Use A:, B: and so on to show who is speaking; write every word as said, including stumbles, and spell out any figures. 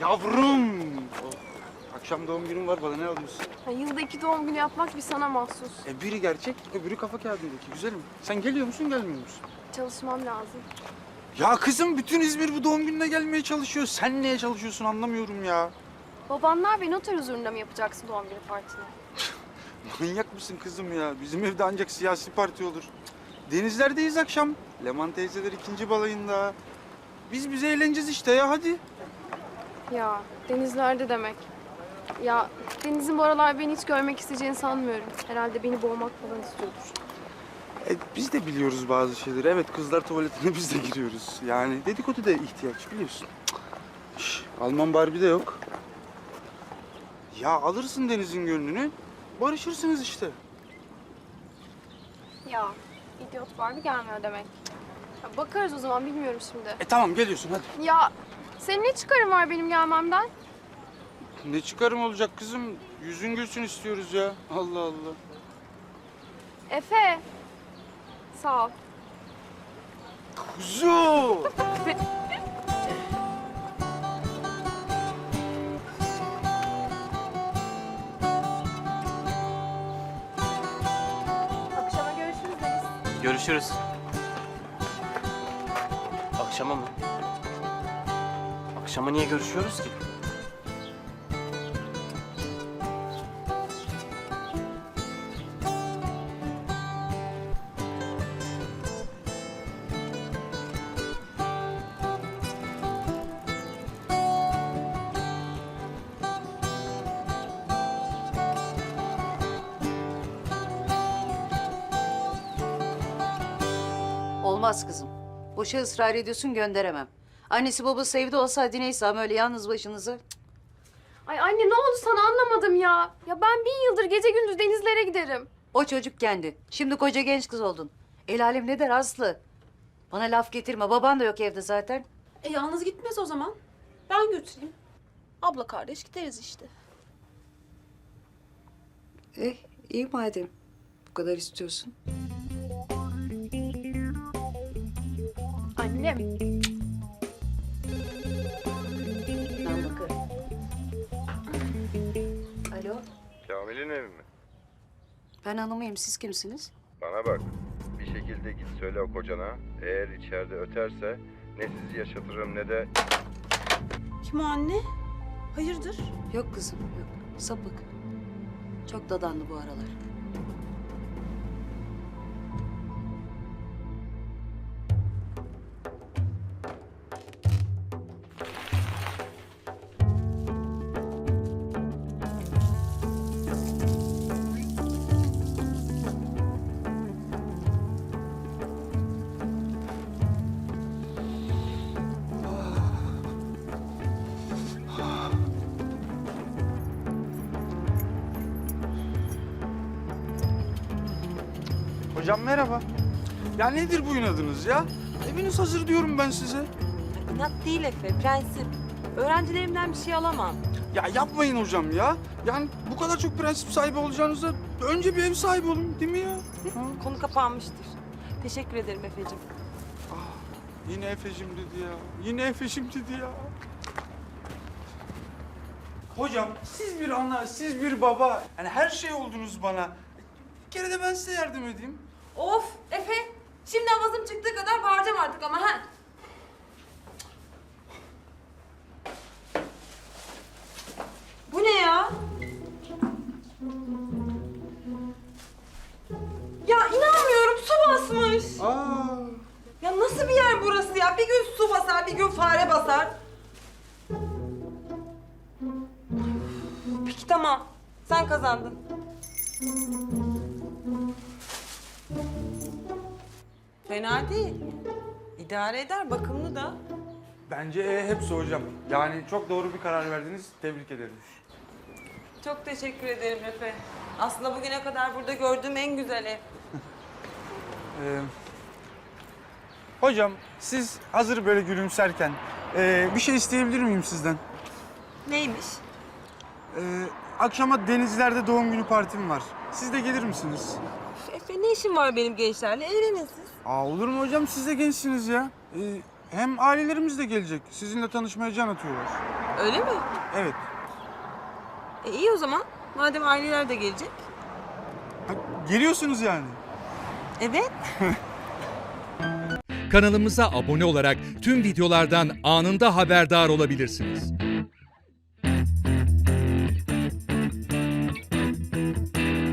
A: Yavrum! Oh, akşam doğum günüm var, bana ne alıyorsun?
B: Ha, yılda iki doğum günü yapmak bir sana mahsus.
A: E biri gerçek, öbürü kafa kağıdındaki. Güzelim. Sen geliyor musun, gelmiyor musun?
B: Çalışmam lazım.
A: Ya kızım, bütün İzmir bu doğum gününe gelmeye çalışıyor. Sen neye çalışıyorsun anlamıyorum ya.
B: Babanlar ve noter huzurunda mı yapacaksın doğum günü partini?
A: Manyak mısın kızım ya? Bizim evde ancak siyasi parti olur. Denizlerdeyiz akşam. Leman teyzeler ikinci balayında. Biz bize eğleneceğiz işte ya, hadi.
B: Ya denizlerde demek. Ya Deniz'in bu aralar beni hiç görmek isteyeceğini sanmıyorum. Herhalde beni boğmak falan istiyordur.
A: E, biz de biliyoruz bazı şeyleri. Evet, kızlar tuvaletine biz de giriyoruz. Yani dedikodu da ihtiyaç, biliyorsun. Şş, Alman Barbie de yok. Ya alırsın Deniz'in gönlünü, barışırsınız işte.
B: Ya idiot Barbie gelmiyor demek. Ya, bakarız o zaman, bilmiyorum şimdi.
A: E tamam, geliyorsun hadi.
B: Ya senin ne çıkarın var benim gelmemden?
A: Ne çıkarım olacak kızım? Yüzün gülsün istiyoruz ya. Allah Allah.
B: Efe. Sağ ol.
A: Kuzu!
B: Akşama görüşürüz Deniz.
C: Görüşürüz. Akşama mı? Akşama niye görüşüyoruz ki?
D: Olmaz kızım. Boşa ısrar ediyorsun, gönderemem. Annesi babası evde olsaydı neyse ama öyle yalnız başınıza. Cık.
B: Ay anne, ne oldu sana, anlamadım ya. Ya ben bin yıldır gece gündüz denizlere giderim.
D: O çocuk kendi. Şimdi koca genç kız oldun. El alem ne der Aslı? Bana laf getirme. Baban da yok evde zaten.
E: E yalnız gitmez o zaman. Ben götüreyim. Abla kardeş gideriz işte.
D: Eh iyi madem. Bu kadar istiyorsun.
B: Annem.
D: Ben bakarım. Alo.
F: Kamil'in evi mi?
D: Ben hanımıyım. Siz kimsiniz?
F: Bana bak. Bir şekilde git söyle o kocana. Eğer içeride öterse ne sizi yaşatırım ne de...
E: Kim o anne? Hayırdır?
D: Yok kızım yok. Sapık. Çok dadanlı bu aralar.
A: Hocam merhaba. Ya nedir bu inadınız ya? Eviniz hazır diyorum ben size.
E: İnat değil Efe, prensip. Öğrencilerimden bir şey alamam.
A: Ya yapmayın hocam ya. Yani bu kadar çok prensip sahibi olacağınıza önce bir ev sahibi olun, değil mi ya? Ha?
E: Konu kapanmıştır. Teşekkür ederim Efe'cim.
A: Yine Efe'cim dedi ya. Yine Efe'cim dedi ya. Hocam siz bir ana, siz bir baba. Yani her şey oldunuz bana. Bir kere de ben size yardım edeyim.
E: Of Efe! Şimdi avazım çıktığı kadar bağıracağım artık ama ha. Bu ne ya? Ya inanmıyorum, su basmış.
A: Aa.
E: Ya nasıl bir yer burası ya? Bir gün su basar, bir gün fare basar. Peki tamam. Sen kazandın. Fena değil. İdare eder, bakımlı da.
A: Bence e, hepsi hocam. Yani çok doğru bir karar verdiniz. Tebrik ederim.
E: Çok teşekkür ederim Efe. Aslında bugüne kadar burada gördüğüm en güzel ev.
A: Ee, hocam siz hazır böyle gülümserken e, bir şey isteyebilir miyim sizden?
E: Neymiş?
A: Ee, akşama Denizler'de doğum günü partim var. Siz de gelir misiniz?
E: Efe ne işin var benim gençlerle? Evlenin siz.
A: Aa, olur mu hocam? Siz de gençsiniz ya. Ee, Hem ailelerimiz de gelecek. Sizinle tanışmaya can atıyorlar.
E: Öyle mi?
A: Evet.
E: E iyi o zaman. Madem aileler de gelecek.
A: Ha, geliyorsunuz yani.
E: Evet.
G: Kanalımıza abone olarak tüm videolardan anında haberdar olabilirsiniz.